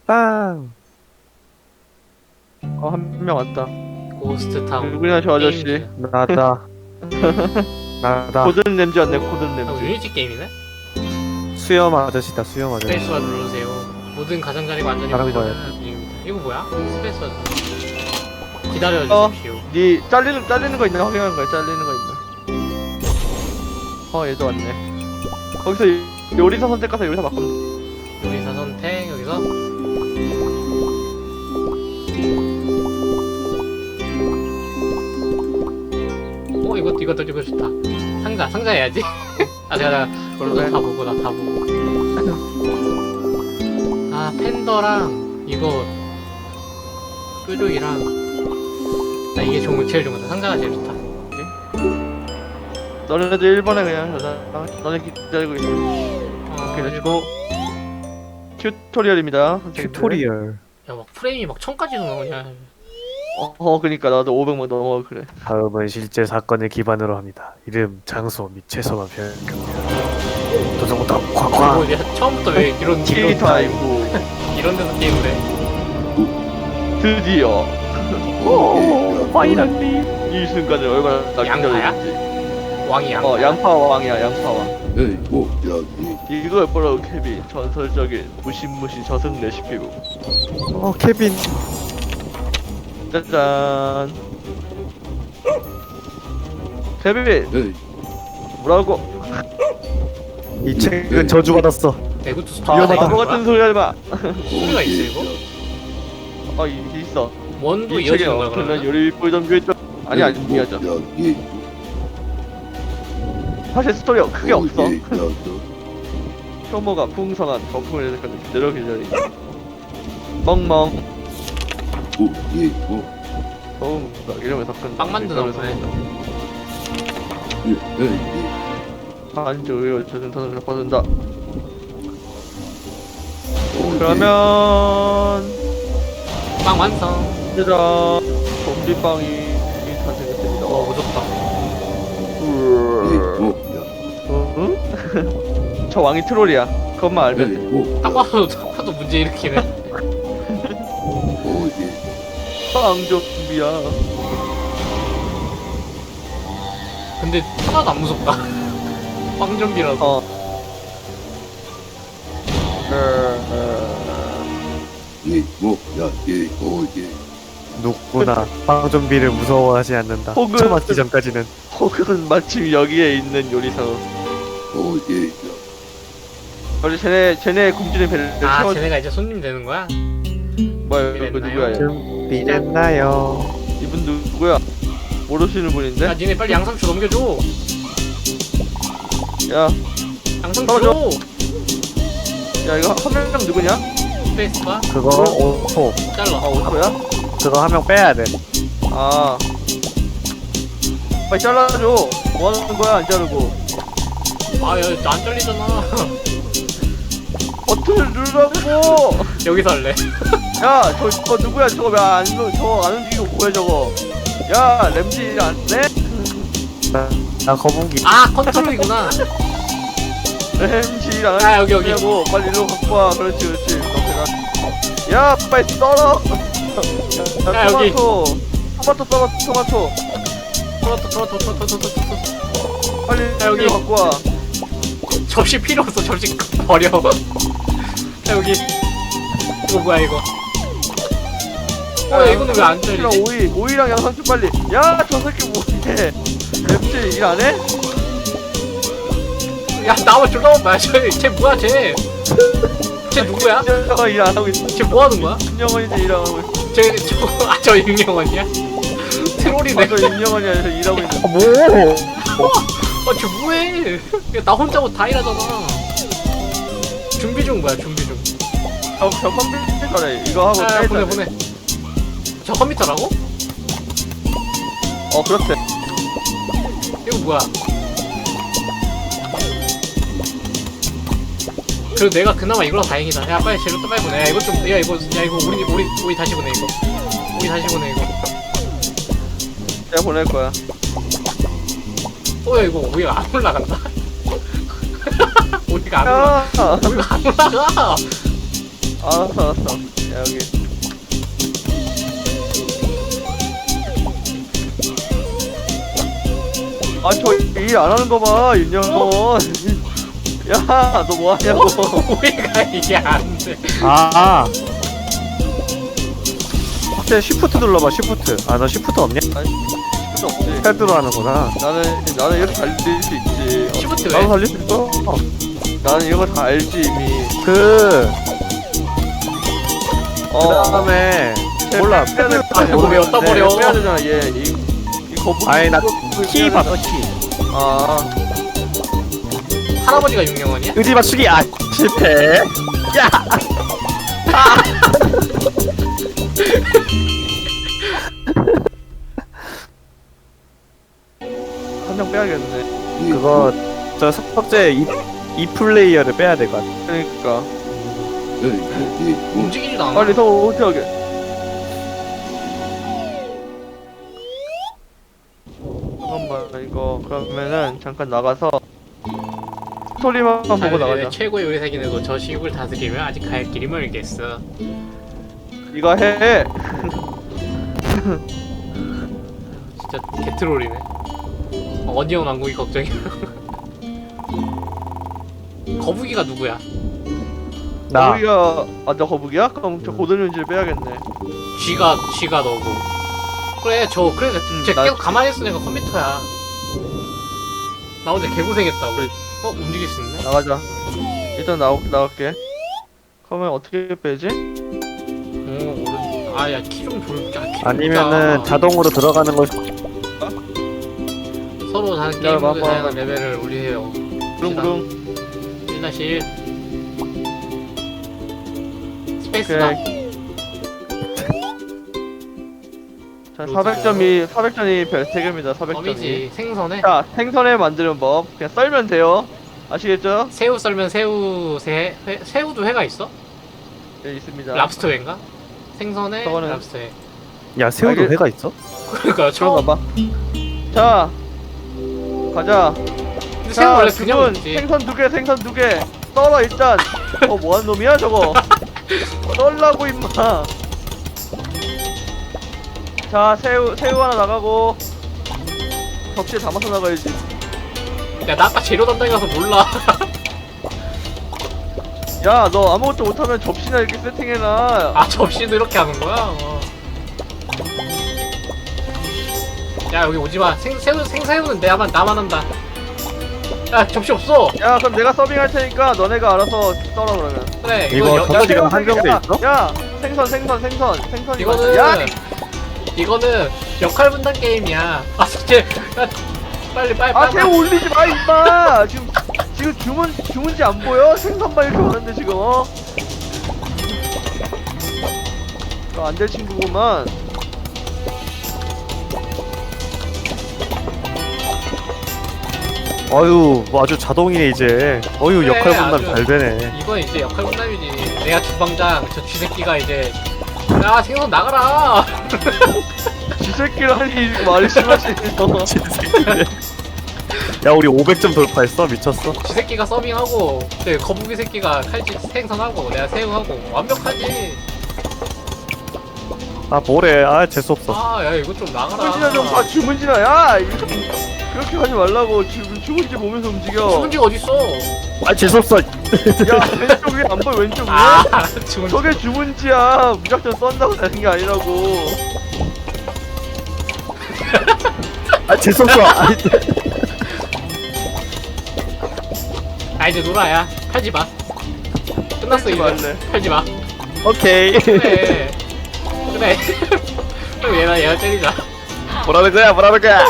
빵. 한 명 왔다. 고스트 타운. 누구냐 저 아저씨. 게임즈. 나다. 나다. 고든 램지 왔네. 고든 아, 램지. 유니티 게임이네? 수염 아저씨다. 수염 아저씨. 스페이스바 누르세요. 모든 가장자리가 완전히 다른 보여주는 중입니다. 이거 뭐야? 스페이스바 기다려 어. 주십시오. 니 잘리는 거 있나 확인하는 거야. 잘리는 거 있나. 얘도 왔네. 거기서 요리사 선택가서 요리사 바꾸면 요리사 선택 여기서 이거 좋다. 상자 해야지. 아 제가 그걸로 해. 다 보고 나 다 보고. 아 팬더랑 이거 뾰족이랑 나 이게 제일 좋은 거다. 상자가 제일 좋다. 너네들 1번에 그냥 너네 기다리고 있어. 그래가지고 튜토리얼입니다. 튜토리얼. 야막 프레임이 막 1000까지도 나오냐. 그니까 나도 500만 넘어 그래. 다음은 실제 사건을 기반으로 합니다. 이름, 장소 및 최소만 변경됩니다. 도전부터 쾅쾅. 야 처음부터 왜 이런 캐릭터 아이고 이런 데서 게임을 해? 드디어 파이랑님. 이 순간을 얼마나 양파야? 기다렸는지. 왕이 양파. 양파왕이야 양파왕. 에이, 이걸 보라고 케빈. 전설적인 무신무신 저승 레시피북. 케빈. 짜잔. 케빈 에이, 뭐라고? 이 책은 저주받았어. 내구도 위험하다. 바보 같은 소리 하지 마. 소리가 있어 이거? 있어. 원도 이 책에 이어지는 거야 없는 그러면? 요리 보이던 교했던 아니 아니야죠. 여기 사실 스토리가 크게 없어. 여기 효모가 풍성한 거품을 내서까지 그대로 기다리. 멍멍. 소음 이름을 섞은. 빵 만드나 보네. 에이, 반주 의료 저승선을 바꾼다. 그러면 빵 완성. 얘들아 좀비빵이 탄생했습니다. 무섭다. 응? 저 왕이 트롤이야. 그것만 알면 돼. 딱 봐도 문제 일으키네. 빵 좀비야. 근데 하나도 안 무섭다. 빵 좀비라서. 어. 누구나 빵 좀비를 무서워하지 않는다. 혹은- 처 맞기 전까지는. 혹은 마침 여기에 있는 요리사로. 원래 쟤네 굶주린 배를 아 채워. 쟤네가 이제 손님 되는 거야? 뭐야 이거 누구야? 얘? 준비됐나요? 이분 누구야? 모르시는 야 분인데? 니네 빨리 양상추 넘겨줘. 야, 양상추. 떨어져. 야 이거 한 명 누구냐? 스페이스바 그거 오토. 잘라. 오토야? 그거 한 명 빼야 돼. 아, 빨리 잘라줘. 뭐 하는 거야 안 자르고? 아야 안 잘리잖아. 버튼을 누르라고. 여기서 할래. 야, 저거 누구야? 저거 저거 안 움직이고 뭐야 저거? 야, 램지 안 돼? 나 거북이. 아 컨트롤이구나. 램지 안 아, 여기. 하냐고. 빨리 일로 갖고 와. 그렇지. 야, 빨리 썰어. 야, 여기. 토마토 썰어. 토마토. 토마토. 빨리 야, 여기. 일로 갖고 와. 접시 필요 없어. 접시 버려. 야 여기 이거 뭐야 이거? 이거는 왜 안 램지랑 잘리지? 오이랑 양상추 빨리. 야, 저 새끼 뭐해? 램지 일 안 해? 야 나와 졸라만 봐. 쟤 뭐야 쟤? 쟤 누구야? 저 일안 하고 있어. 쟤 뭐 하는 거야? 임영원이지 일하고 있어. 저 임영원이야? 트롤이네. 저 임영원이 저 일하고 있는. 뭐? 쟤 뭐해? 야, 나 혼자 뭐 다 일하잖아. 준비 중 뭐야 준비 중. 저 컴퓨터래. 이거 하고 아 빼자. 보내. 저 컴퓨터라고? 그렇대. 이거 뭐야? 그래도 내가 그나마 이거라 다행이다. 야 빨리 재료 또 빨리 보내. 야 이거 우리 다시 보내 이거. 우리 다시 보내 이거. 내가 보낼 거야. 야 이거 우리가 안 올라간다. 우리가 안 올라가. 야, 우리가 안 올라가. 알았어. 야, 여기. 아, 저 일 안 하는 거 봐, 윤영건. 야, 너 뭐 하냐고. 왜가 이게 안 돼? 아. 혹시 시프트 눌러봐 시프트. 아 너 시프트 없냐? 아니, 필요 없지. 패드로 하는구나. 나는 이렇게 달릴 수 있지. 시프트 나도 왜? 살릴 수 있어. 나는 이거 다 알지, 이미. 그 어. 그다음에 몰라 빼야 될 패드 거 아니야. 그거 왜 어디다 버려? 빼야 되잖아, 얘. 이 거북이. 아니 나 거북이 키 빼야 봤어 되잖아. 키. 아. 할아버지가 윤경원이야? 의지 맞추기 아 실패. 야. 한 명 빼야겠네. 그거 저 석재 이 플레이어를 빼야 될 것 같아. 그러니까. 움직이지도 않아. 빨리 더 어떻게 하게. 잠깐만, 이거 그러면은 잠깐 나가서 스토리만 보고 자연의 나가자. 최고의 의사기내도 저 시국을 다스리면 아직 갈 길이 멀겠어. 이거 해. 진짜 개트롤이네. 어니언 왕국이 걱정이야. 거북이가 누구야? 나 거북이가 나 거북이야? 그럼 저 고든윤지를 빼야겠네. 쥐가 너고. 그래 그래 쟤 나- 계속 가만히 있어. 내가 컴퓨터야. 나 어제 개고생했다고. 움직일 수 있네? 나가자. 일단 나갈게. 그러면 어떻게 빼지? 아야 키 좀 돌자. 아니면은 자동으로 들어가는 거 서로 다른 야, 게임 모드 봐봐. 다양한 레벨을 올리세요. 부릉부릉. 1-1 스페이스바. 오케이. 자, 400점이 별 3개입니다. 400점이. 범이지 생선에 자, 생선에 만드는 법. 그냥 썰면 돼요. 아시겠죠? 새우 썰면 새우도 회가 있어? 네, 있습니다. 랍스터 회인가? 생선에 저거는- 랍스터 회. 야 새우도 알겠- 회가 있어? 그러니까 처음. 들어가 봐. 자, 가자. 근데 새우 자, 원래 그냥 지금 먹지. 생선 2개, 생선 2개. 썰어 일단. 뭐하는 놈이야 저거? 썰라고 임마. 자, 새우 하나 나가고. 접시에 담아서 나가야지. 야 나 아까 재료 담당이라서 몰라. 야, 너 아무것도 못하면 접시나 이렇게 세팅해놔. 아 접시도 이렇게 하는 거야? 야 여기 오지마. 생새우는 나만 한다. 야 접시 없어. 야, 그럼 내가 서빙할 테니까 너네가 알아서 썰어 그러면. 그래 이거 이거 접시- 지금 한정돼 야, 있어? 야, 생선. 이거는 야, 이거는 역할 분담 게임이야. 아 진짜 야 빨리. 아, 새우 올리지 마 임마. 지금 주문지 안 보여? 생선만 이렇게 많은데 지금 안 될 친구구만. 어유 뭐 아주 자동이네 이제. 어유 그래, 역할 분담 아주. 잘 되네. 이건 이제 역할 분담이지. 내가 주방장 저 쥐새끼가 이제 야 생선 나가라. 쥐새끼라니 말이 심하시네 너. 야 우리 500점 돌파했어 미쳤어. 쥐새끼가 서빙하고 네, 거북이 새끼가 칼집 생선하고 내가 새우하고 완벽하지. 아 뭐래 아 재수없어. 아 야 이거 좀 나가라. 주문지나 좀 봐. 주문지나. 야, 이거 그렇게 하지 말라고. 주문지 보면서 움직여. 주문지가 어딨어? 아 재수없어. 야, 왼쪽 위에 안 보여? 왼쪽 위에? 아 주문지. 저게 주문지야. 무작정 썬다고 되는 게 아니라고. 아 재수없어. 아니, 아 이제 놀아야 팔지 마. 끝났어 팔지 이제. 말래. 팔지 마. 오케이. 그래. 그래. 그럼 얘나 때리자. 뭐라는 거야?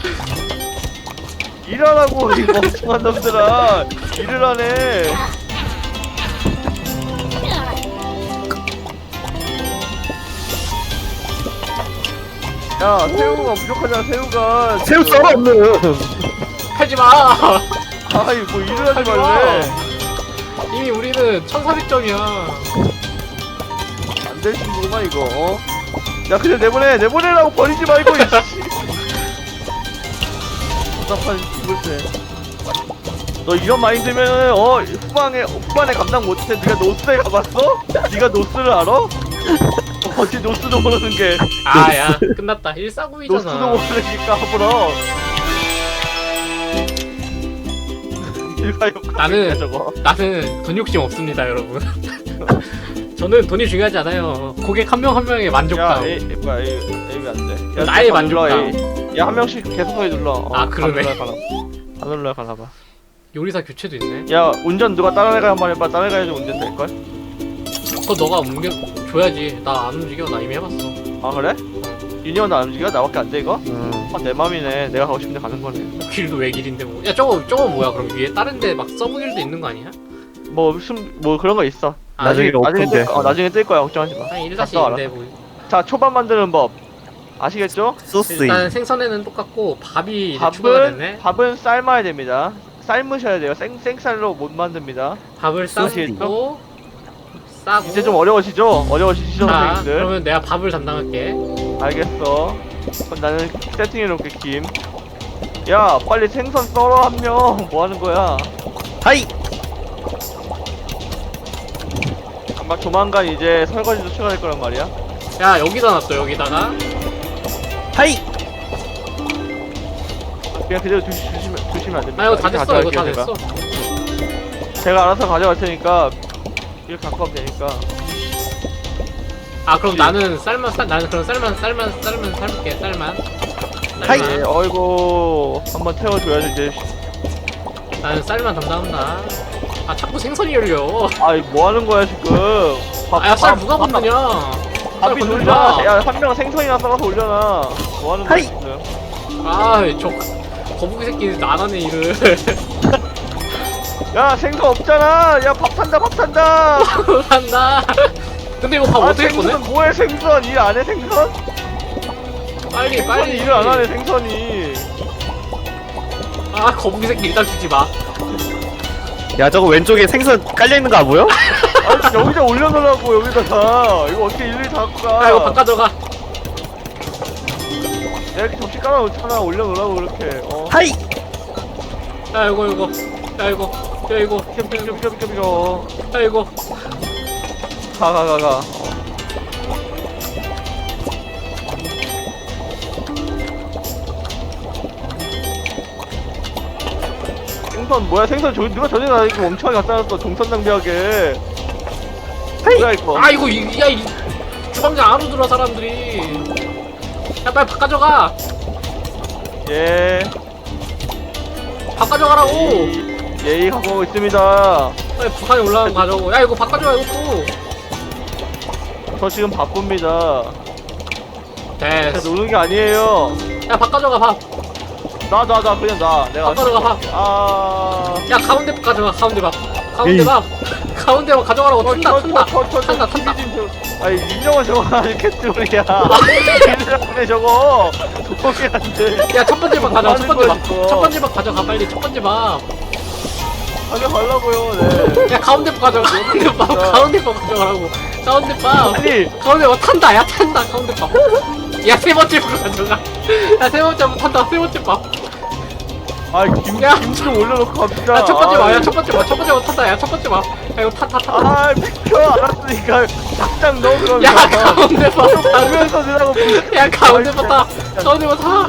일하라고 이 멍청한 놈들아. 일을 하네. 야, 새우가 부족하잖아. 새우가. 새우 썰어 없는. 팔지 마. 아이, 뭐 일을 하지 하지 마. 말래. 이미 우리는 1400점이야. 안 될 친구구만 이거. 어? 야, 그냥 내보내라고 버리지 말고. 이씨. 답답한 이불새. 너 이런 마인드면은 후반에 감당 못해. 네가 노스에 가봤어? 네가 노스를 알아? 어찌 노스도 모르는 게 아야 끝났다. 노스도 149이잖아. 모르니까 앞으로 나는- 저거. 나는 돈 욕심 없습니다, 여러분. 저는 돈이 중요하지 않아요. 고객 한 명 한 명의 야 만족감. A 뭐야 A 왜 안 돼? 나의 다 눌러, 만족감. A. 야 한 명씩 계속하게 눌러. 아, 그러네. 안 눌러 가나 봐. 요리사 교체도 있네. 야 운전 누가 따라가 한번 해봐. 따라가야지 운전 될 걸? 그거 너가 옮겨 줘야지. 나 안 움직여. 나 이미 해봤어. 아 그래? 유니언 안 움직여? 나밖에 안 돼 이거? 음. 내 맘이네. 내가 가고 싶은데 가는 거네. 길도 왜 길인데 뭐. 야 저거 뭐야? 그럼 위에 다른 데 막 서브 길도 있는 거 아니야? 뭐 그런 거 있어. 나중에 오픈돼. 나중에 뜰 거야. 걱정하지 마. 아니 갔다 와라. 1-2인데 뭐. 자 초밥 만드는 법 아시겠죠? 소스. 일단 생선에는 똑같고 밥이 이제 추가가 됐네. 밥은 삶아야 됩니다. 삶으셔야 돼요. 생쌀로 못 만듭니다. 밥을 싸고 싸고. 이제 좀 어려워지죠? 어려워지시죠 자, 선생님들? 그러면 내가 밥을 담당할게. 알겠어. 그럼 나는 세팅해놓을게 김. 야 빨리 생선 썰어 한 명. 뭐 하는 거야? 하이. 아마 조만간 이제 설거지도 추가될 거란 말이야. 야 여기다 놨어 여기다가. 하이. 그냥 그대로 두시면 안 됩니다. 아 이거 다 됐어. 이거 다 가져갈게요, 됐어. 제가 알아서 가져갈 테니까 이렇게 갖고 가면 되니까. 아 그럼 그치. 나는 나는 그럼 삶을게. 쌀만. 하이. 네, 어이구 한번 태워줘야지 이제. 나는 쌀만 담당한다. 아 자꾸 생선이 열려. 아이 뭐 하는 거야 지금? 아야 쌀 누가 건드냐? 쌀 밥이 건들지 놀라. 마. 야한 명 생선이나 썰어서 올려놔. 뭐 하는 거야 하이. 지금? 아저 거북이 새끼 안 하네 일을. 야 생선 없잖아. 야 밥 탄다. 한다. 근데 이거 밥 어떻게 꺼내? 생선 뭐해 생선 일 안 해 생선? 빨리 생선이 일을 안 하네 생선이. 아 거북이 새끼 일단 주지 마. 야 저거 왼쪽에 생선 깔려 있는 거 안 보여? 아 여기다 올려놓으라고 여기다가. 이거 어떻게 일일이 다 갖고 가? 아 이거 바꿔 들어가. 내가 이렇게 접시 깔아놓잖아. 올려놓으라고 그렇게. 하이. 야 이거. 야 이거. 비켜. 야 이거. 가. 생선 뭐야 생선 저기 누가 전에 나 이렇게 멍청하게 갖다 놨어. 동선 낭비하게. 뭐야 이거? 아 이거 이 주방장 안으로 들어 사람들이. 야 빨리 밥 가져가. 예. 밥 가져가라고. 예의 갖고 있습니다. 빨리 북한에 올라가고 가져오고. 야 이거 밥 가져가 이것도. 저 지금 바쁩니다. 제가 됐어. 노는 게 아니에요. 야 밥 가져가 밥. 나 그냥 나. 내가 가져가, 밥. 야 가운데 밥 가져가 가운데 밥. 가운데 밥. 가운데 밥 가져가라고. 탄다. 아니 민정은 저거 아니 캣트롤이야. 민정은 저거 도움이 안 돼. 야 첫 번째 밥 가져가. 첫 번째 밥. 이거. 첫 번째 밥 가져가 빨리. 첫 번째 밥. 가져가려고요. 네. 야 가운데 밥 가져가. 가운데 밥. 가운데 밥 가져가라고. 가운데 밥. 아니 가운데 밥 탄다. 야 탄다. 가운데 밥. 야 세 번째 밥 가져가. 야 세 번째 밥 탄다. 세 번째 밥. 김 좀 올려놓고 갑시다. 야 첫 번째 밥. 야 첫 번째 밥. 첫 번째 밥 탄다. 야 첫 번째 밥. 야 이거 타. 아 비켜 알았으니까 작장 넣어 그러면. 야 가운데 밥. 보면서 넣으라고. 야 가운데 밥 타. 가운데 밥 타.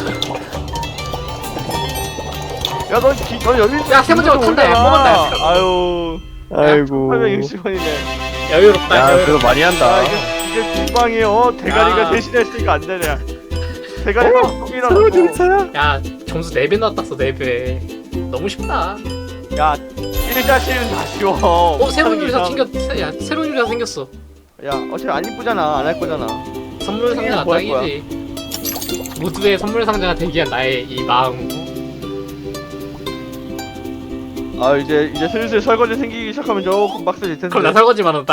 야넌 여기. 야, 세 번째 거 탄다. 야, 먹었다. 아유. 아이고. 860원이네. 여유롭다. 야 여유롭다. 그래도 많이 한다. 아 이게 국방이 대가리가 야. 대신했으니까 안 되냐. 대가리가 똥이라고. 야 점수 4배 나왔어 4배. 너무 쉽다. 야 1자씨는 다 쉬워. 새로운 요리사 야 새로운 요리사 생겼어. 야 어차피 안 이쁘잖아. 안 할 거잖아. 선물 상자가 뭐 할 거야? 딱이지. 모두의 선물 상자가 되기한 나의 이 마음. 아 이제 슬슬 설거지 생기기 시작하면 조금 빡세질 텐데. 그럼 나 설거지만 한다.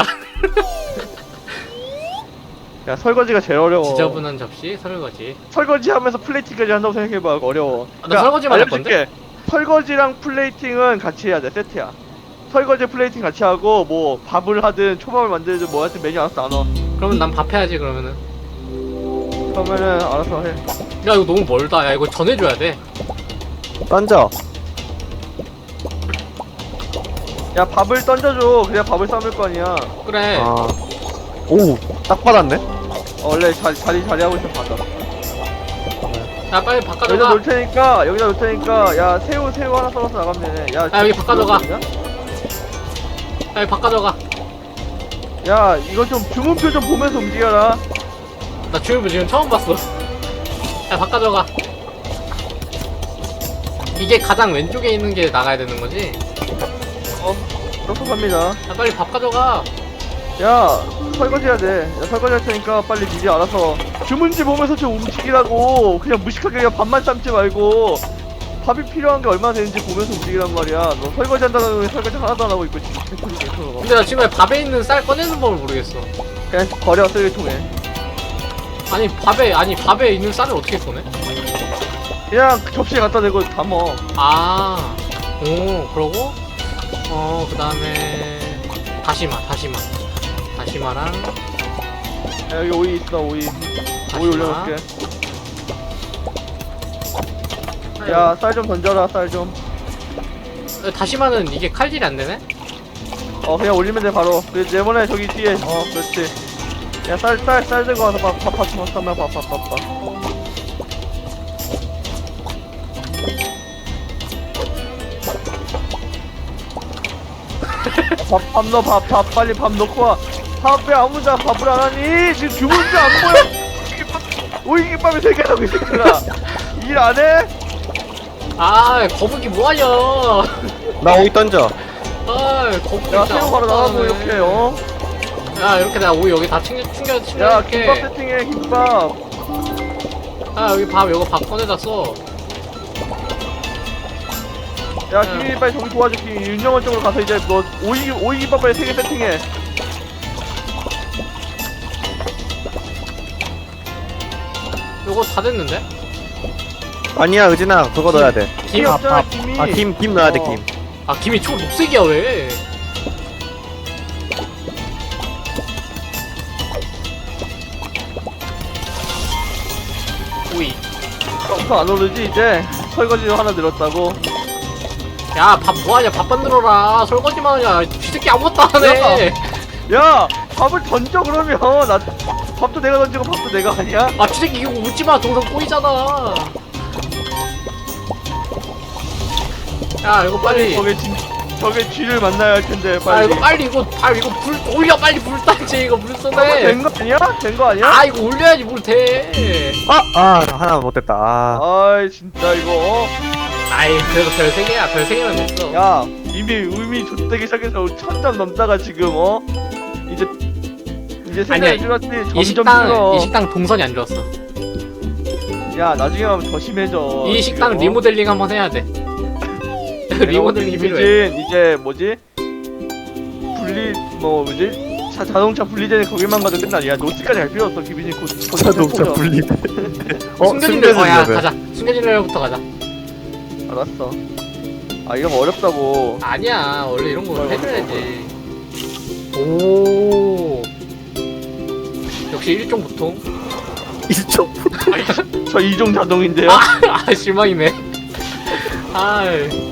야 설거지가 제일 어려워. 지저분한 접시 설거지. 설거지 하면서 플레이팅까지 한다고 생각해봐. 어려워. 나 설거지만 할 건데? 알려줄게. 설거지랑 플레이팅은 같이 해야 돼. 세트야. 설거지 플레이팅 같이 하고 뭐 밥을 하든 초밥을 만들든 뭐 하든 메뉴 알아서 나눠. 그러면 난 밥 해야지 그러면은. 그러면은 알아서 해. 야 이거 너무 멀다. 야 이거 전해줘야 돼. 던져. 야 밥을 던져줘. 그래야 밥을 삶을 거 아니야. 그래. 아. 오, 딱 받았네. 원래 자리하고 있으면 받아. 야 빨리 여기다 바꿔줘가. 놓을 테니까 여기다 놓을 테니까 야 새우 하나 썰어서 나가면 되네. 야 여기 바꿔줘가. 있냐? 빨리 바꿔줘가. 야 이거 좀 주문표 좀 보면서 움직여라. 나 주유부 지금 처음 봤어. 야 바꿔줘가. 이게 가장 왼쪽에 있는 게 나가야 되는 거지? 그렇게 갑니다. 야 빨리 밥 가져가. 야 설거지 해야 돼. 야 설거지 할 테니까 빨리 미리 알아서 주문지 보면서 좀 움직이라고. 그냥 무식하게 그냥 밥만 삶지 말고 밥이 필요한 게 얼마나 되는지 보면서 움직이란 말이야. 너 설거지 한다는 놈이 설거지 하나도 안 하고 있고 지금 개소리 개소리. 근데 나 지금 밥에 있는 쌀 꺼내는 법을 모르겠어. 그냥 버려 쓰레기통에. 밥에 있는 쌀을 어떻게 꺼내? 그냥 그 접시에 갖다 대고 담어. 아, 오, 그러고 그 다음에 다시마랑 야 여기 오이 있어 오이. 오이 올려놓을게. 야 쌀 좀 던져라 쌀 좀. 다시마는 이게 칼질이 안 되네? 그냥 올리면 돼 바로. 그 네모네 저기 뒤에. 그렇지. 야 쌀 들고 와서 밥 넣어 밥 빨리 밥 넣고 와. 밥 왜 아무자 밥을 안 하니? 지금 주문도 안 보여. 오이김밥이 3개라고 이 새끼들아. 일 안 해? 아, 거북이 뭐하냐? 나 오이 던져. 아, 거북이 야 진짜 새우 바로 나가고 아무것도 안 이렇게 하네. 야, 이렇게 내가 오이 여기 다 야 챙겨줄게. 김밥 세팅해 김밥. 아, 여기 이거 밥 꺼내다 써. 야 김민이 빨리 저기 도와줘. 윤영원 쪽으로 가서 이제 너 오이 김밥 빨리 3개 세팅해. 요거 다 됐는데? 아니야, 의진아, 그거 넣어야 돼. 김? 없잖아 김이. 아, 김 넣어야 돼, 어. 김. 아, 김이 초록색이야, 왜? 오이. 더 안 오르지 이제. 설거지 하나 늘었다고. 야, 밥 뭐하냐? 밥 만들어라. 설거지만 하냐? 쥐새끼 아무것도 안 해. 야 밥을 던져 그러면. 나 밥도 내가 던지고 밥도 내가 하냐? 아, 쥐새끼 이거 웃지마. 동상 꼬이잖아. 야, 이거 빨리. 저게 쥐를 만나야 할 텐데 아, 빨리. 이거 빨리 이거 불 올려. 빨리 불 따지. 이거 물 쏘네. 된거 아니야? 된 거 아니야? 아, 이거 올려야지 물 돼. 하나 못됐다. 아이 진짜 이거. 아이, 그래도 별 3개야. 별 3개면 됐어. 야 이미 좆되기 시작해서 1000점 넘다가 지금 이제 아니야, 생각이 줄었지. 이 점점 줄어. 식당 동선이 안 좋았어. 야 나중에 하면 더 심해져. 이 식당 지금, 리모델링 한번 해야 돼. 리모델링이 필요해. 이미진 이제 뭐지? 자동차 분리되는 거기만 가도 끝나. 야 노스까지 갈 필요 없어. 기빈이 곧 자동차 분리. 숨겨진 레벨 가자. 숨겨진 레벨부터 가자. 알았어. 아 이런 거 어렵다고. 아니야, 원래 이런 거 뭐야, 해줘야지. 오, 역시 일종 보통. 일종. 저 이종 자동인데요. 아, 실망이네. 아,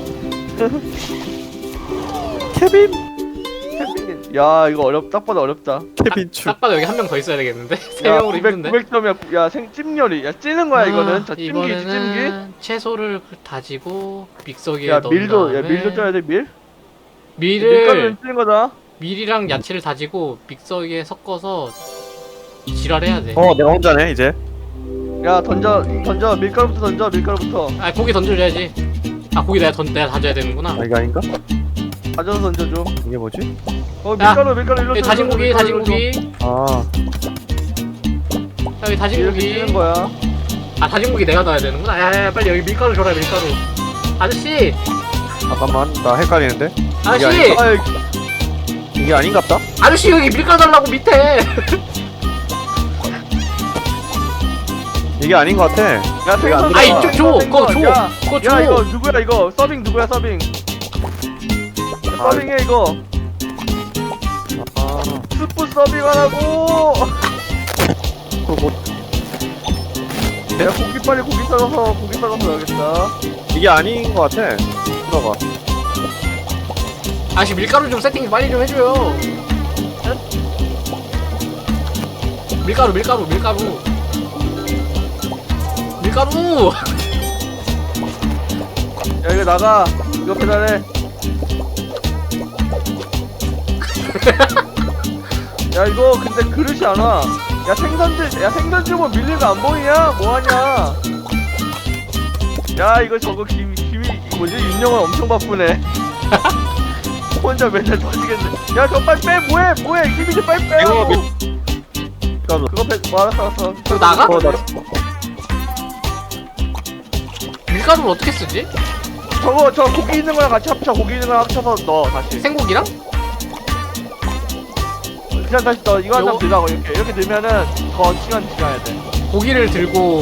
케빈. 야 이거 딱 봐도 어렵다. 케빈 추. 딱 봐도 여기 한 명 더 있어야 되겠는데? 3명으로 힘든데? 900점이야. 야 찜열이. 야 찌는 거야 이거는. 자 찜기 찜기. 이번에는 채소를 다지고 믹서기에 야 넣은 밀도 다음에 밀도 쪄야 돼 밀. 밀을 밀가루는 찌는 거다. 밀이랑 야채를 다지고 믹서기에 섞어서 지랄해야 돼. 내가 혼자네, 이제. 야 던져 밀가루부터 던져 밀가루부터. 아, 고기 던져줘야지. 아, 고기 내가 다져야 되는구나. 아, 이거 아닌가? 가져서 던져줘. 이게 뭐지? 밀가루 일로. 여기 다진 고기. 아, 여기 다진 이렇게 고기. 찌는 거야. 아, 다진 고기 내가 넣어야 되는구나. 야, 빨리 여기 밀가루 줘라, 밀가루. 아저씨! 잠깐만. 나 헷갈리는데? 아저씨! 아이 이게 아닌갑다? 아저씨, 여기 밀가루 달라고 밑에! 이게 아닌 것 같아. 야 이거 안 생선. 아, 이쪽 줘! 그거 줘! 야, 그거 줘! 야 이거 누구야 이거? 서빙 누구야 서빙? 아. 서빙해 이거. 아, 스프 서빙하라고. 그거 뭐, 야 고기 썰어서 넣어야겠다. 이게 아닌 것 같아. 들어가. 아씨 밀가루 좀 세팅 빨리 좀 해줘요. 밀가루. 야 이거 나가. 이거 배달해. 야 이거 근데 그릇이 안 와. 야 생선주 뭐 밀린 거 안 보이냐? 뭐하냐? 야 이거 저거 김이 뭐지? 윤영은 엄청 바쁘네. 혼자 맨날 터지겠네. 야 저 빨리 빼. 뭐해? 김이 좀 빨리 빼. 이거 그거 뭐 알았어. 그거 나가? 나 밀가루를 어떻게 쓰지? 저 고기 있는 거랑 같이 합쳐. 고기 있는 거랑 합쳐서 넣어 다시. 생고기랑? 그냥 다시 넣어. 이거 한 요거- 장 넣으라고 이렇게 넣으면은 더 시간 지나야 돼. 고기를 들고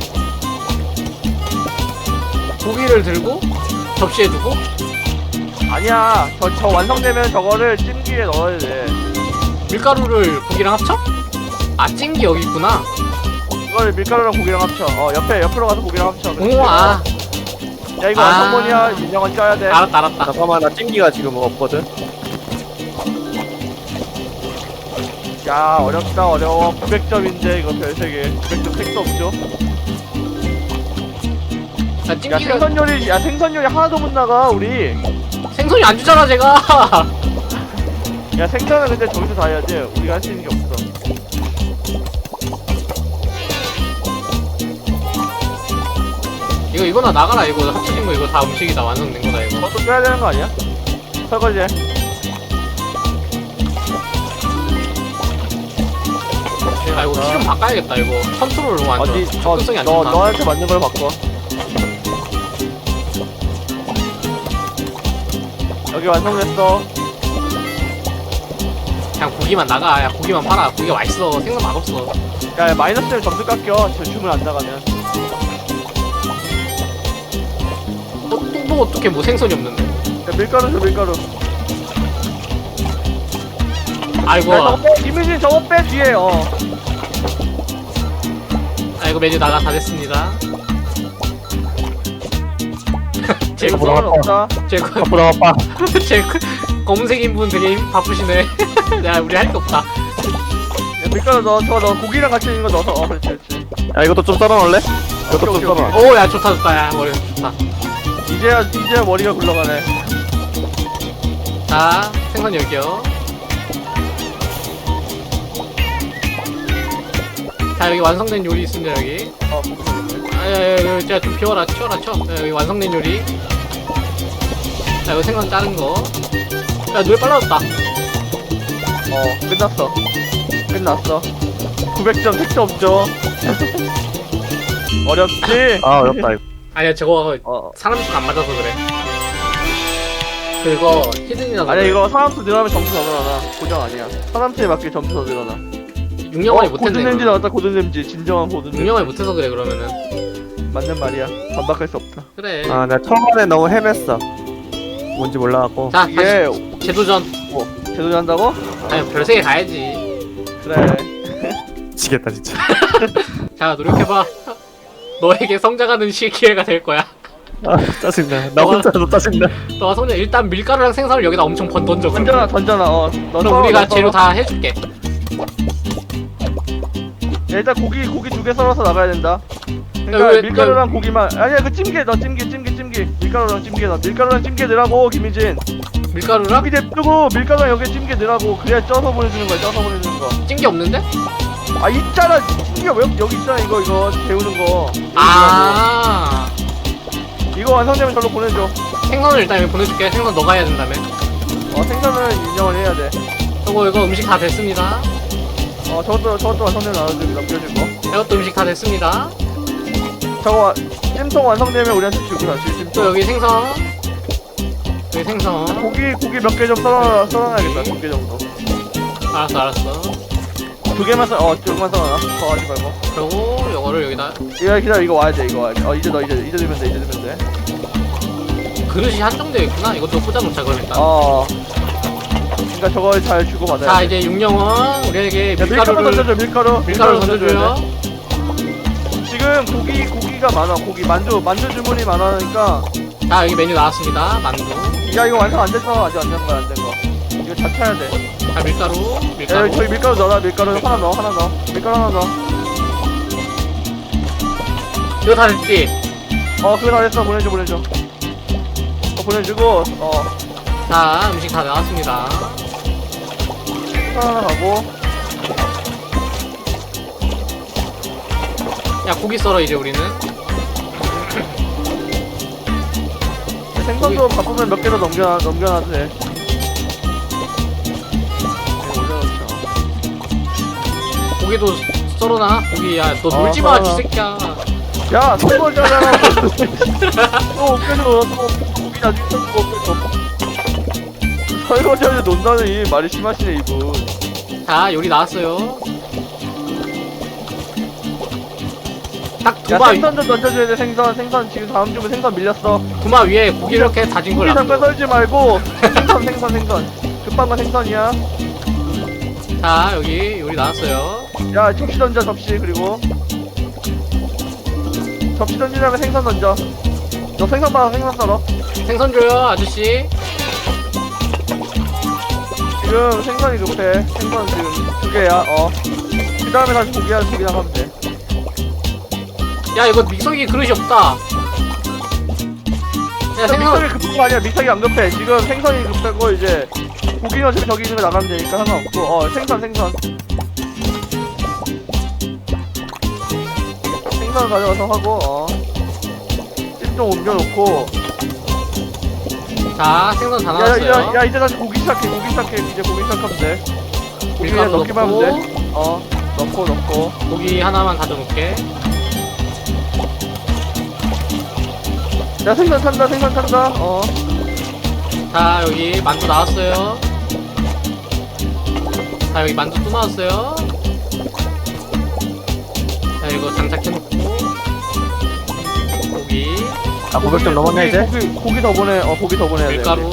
접시에 두고. 아니야. 저 완성되면 저거를 찜기에 넣어야 돼. 밀가루를 고기랑 합쳐? 아 찜기 여기 있구나. 이거를 밀가루랑 고기랑 합쳐. 옆으로 가서 고기랑 합쳐. 오 야 이거 아. 완성본이야. 윤영은 쪄야 돼. 알았다. 잠깐만 나 찜기가 지금 없거든. 야 어렵다 어려워. 900점인데 이거 별 3개. 900점 택도 없죠. 야 야 찜기가 생선 요리 하나도 못 나가 우리. 생선이 안 주잖아 제가. 야 생선은 근데 저기서 다 해야지. 우리가 할 수 있는 게 없어. 이거나 나가라. 이거 합쳐진 거 이거 다 음식이 다 완성된 거다 이거. 그것도 빼야 되는 거 아니야? 설거지. 아 이거 키 좀 바꿔야겠다 이거. 컨트롤 너무 안 어디 좋아. 접근성이 안 좋다. 너한테 맞는 걸 바꿔. 여기 완성됐어. 그냥 고기만 나가. 야 고기만 팔아. 고기가 맛있어. 생선 맛없어. 야 마이너스면 점수 깎여. 저 주문 안 나가면. 또 어떻게 뭐 생선이 없는데? 야 밀가루 줘 밀가루. 아이고. 야 저거 빼. 김유진 저거 빼 뒤에. 아이고 메뉴 나가 다 됐습니다. 제 이거 상관 없다. 앞으로 아빠. 제 검은색인 분 되게 바쁘시네. 야 우리 할 게 없다. 야 밀가루 저거 넣어. 고기랑 같이 있는 거 넣어서. 그렇지. 야 이것도 좀 썰어놓을래? 이것도 오케이, 좀 썰어. 오 야 좋다. 야 머리 좋다. 이제야 머리가 굴러가네. 자 생선 여기요. 자 여기 완성된 요리 있습니다 여기. 아야야야 자 좀 치워라 쳐. 야, 여기 완성된 요리. 자 이거 생선 자른 거. 야 노래 빨라졌다. 끝났어. 900점 택도 없죠. 어렵지? 아 어렵다 이거. 아니야 저거 어. 사람 수가 안 맞아서 그래. 그거 히든이라서. 아니 그래. 이거 사람 수 늘어나면 점수 더 늘어나. 고정 아니야. 사람 수에 맞게 점수 더 늘어나. 6년만에 못했네. 고든 램지 그러면. 나왔다. 고든 램지. 진정한 고든 램지. 6년만에 못해서 그래 그러면은. 맞는 말이야. 반박할 수 없다. 그래. 아 내가 처음에 너무 헤맸어. 뭔지 몰라갖고. 자 이게 다시 재도전. 제대로 한다고? 아니 별세계 가야지. 그래. 미치겠다 진짜. 자 노력해봐. 너에게 성장하는 기회가 될 거야. 아 짜증나. 나 혼자도 짜증나. 너가 성장 일단 밀가루랑 생선을 여기다 엄청 던져. 던져놔. 그럼 우리가 재료 다 해줄게. 야, 일단 고기 2개 썰어서 나가야 된다. 야, 그러니까 왜- 밀가루랑 고기만. 아니야 그 찜기에 넣어. 찜기. 밀가루랑 찜기에 넣어. 밀가루랑 찜기에 넣으라고 김희진. 밀가루랑 여기 냅두고 밀가루랑 여기 찜기에 넣으라고. 그래야 쪄서 보내주는 거야. 찐게 없는데? 아 있잖아. 찜기가 왜 여기 있잖아. 이거 데우는 거. 아 이거 완성되면 절로 보내줘. 생선을 일단 여기 보내줄게. 생선 너가 해야 된다며. 생선은 인정을 해야 돼. 이거 음식 다 됐습니다. 저것도 완성되면 남겨줄 거. 이것도 음식 다 됐습니다. 저거 찜통 완성되면 우리한테 주구나. 또 찜통. 여기 생선. 여기 생선. 고기 몇 개 좀 썰어놔야겠다. 2개 정도. 알았어. 2개만 조금만 썰어놔. 더 하지 말고. 그리고 요거를 여기다. 이거 기다려. 이거 와야 돼. 이제 넣어. 이제 넣으면 돼. 그릇이 한정되어 있구나. 이것도 꽂아놓자 그럼 일단. 그러니까 저걸 잘 주고 받아야 자 돼. 이제 육령은 우리에게 야, 밀가루 밀가루를 던져줘. 밀가루 던져줘요. 지금 고기가 많아. 만두 주문이 많으니까 자 여기 메뉴 나왔습니다. 만두. 야 이거 완성 안 됐어. 아직 안 된 거야. 안 된 거. 이거 다 쳐야 돼. 자 밀가루. 야 밀가루. 저기 밀가루 넣어라. 밀가루 하나 넣어. 하나 넣어. 밀가루 하나 넣어. 이거 다 됐지? 그거 다 됐어. 보내줘 보내줘. 보내주고 자 음식 다 나왔습니다. 하나 가고. 야 고기 썰어 이제 우리는. 생선도 바쁘면 몇 개 더 넘겨놔도 돼. 올려놓자. 고기도 썰어놔. 고기 야너 아, 놀지 마, 썰어놔. 쥐새끼야. 야, 설거지하잖아. 또 없애줘. 또 고기 나중에 썰고 없애줘. 설거지하는데 논다는 이 말이 심하시네 이분. 자 요리 나왔어요. 딱 야, 두마 생선 좀 던져줘야 돼. 생선 지금 다음 주면 생선 밀렸어. 두마 위에 고기 이렇게 다진 걸 고기 잠깐 놔둬. 썰지 말고 생선. 급한 건 생선이야. 자 여기 요리 나왔어요. 야, 접시 던져 접시. 그리고 접시 던진 다음에 생선 던져. 너 생선 봐. 생선 썰어. 생선 줘요 아저씨. 지금 생선이 급해. 생선 지금 2개야. 그 다음에 다시 고기 나가면 돼. 야 이거 믹서기 그릇이 없다. 야 믹서기 생선 급한 거 아니야. 믹서기 안 급해. 지금 생선이 급하고 이제 고기는 어차피 저기 있는 거 나가면 되니까 상관없고. 생선. 생선 가져가서 하고. 찜좀 옮겨놓고. 자 생선 다 나왔어요. 야, 이제 다시 고기 시작해. 이제 고기 시작하면 돼. 고기 그냥 밀가루 넣기만 하면 넣고 돼. 넣고. 고기 하나만 가져놓게. 야, 생선 탄다. 자 여기 만두 나왔어요. 자 여기 만두 또 나왔어요. 자 이거 장착해놓고 고기 아 900점 넘었네 이제. 고기 더 고기 더 보내야 돼. 밀가루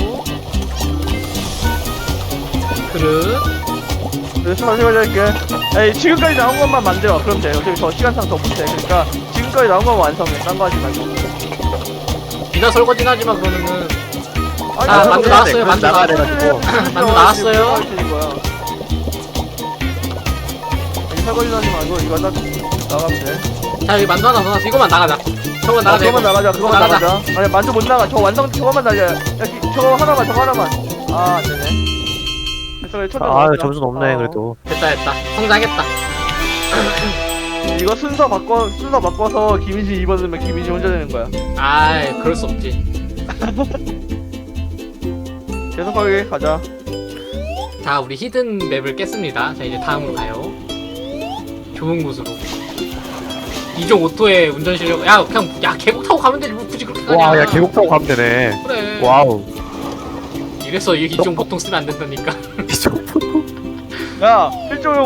그릇. 그래서 설거지 할게. 에이, 지금까지 나온 것만 만들어. 그럼 돼. 어차피 더 시간상 더 못해. 그러니까 지금까지 나온 것만 완성해. 딴 거 하지 말고. 니나 설거지는 하지마 그러면은. 아니, 아, 설거지 만두 해야 나왔어요, 돼. 만두 나가야 설거지 돼가지고. 해야지. 만두 나왔어요. 설거지 거야. 이 설거지 하지 말고 이거 딱 나가면 돼. 자 여기 만두 하나 더 나왔어. 이거만 나가자. 저거 나가자. 그거만 나가자. 그거만 나가자. 나가자. 아니, 만두 못 나가. 저거만 날려. 야, 저거 하나만. 안 되네. 됐어, 천장 아 나왔다. 점수 높네 그래도. 됐다. 성장했다. 이거 순서 바꿔서 김희진 2번 넣으면 김희진 혼자 되는 거야. 아이 그럴 수 없지. 계속하게 가자. 자 우리 히든 맵을 깼습니다. 자 이제 다음으로 가요. 좋은 곳으로. 이종 오토의 운전 실력. 야 그냥 계곡 타고 가면 되지 뭐 굳이 그렇게 가냐. 와야 계곡 타고 가면 되네. 그래. 와우. 이래서 이종 보통 쓰면 안 된다니까. 야, 1.5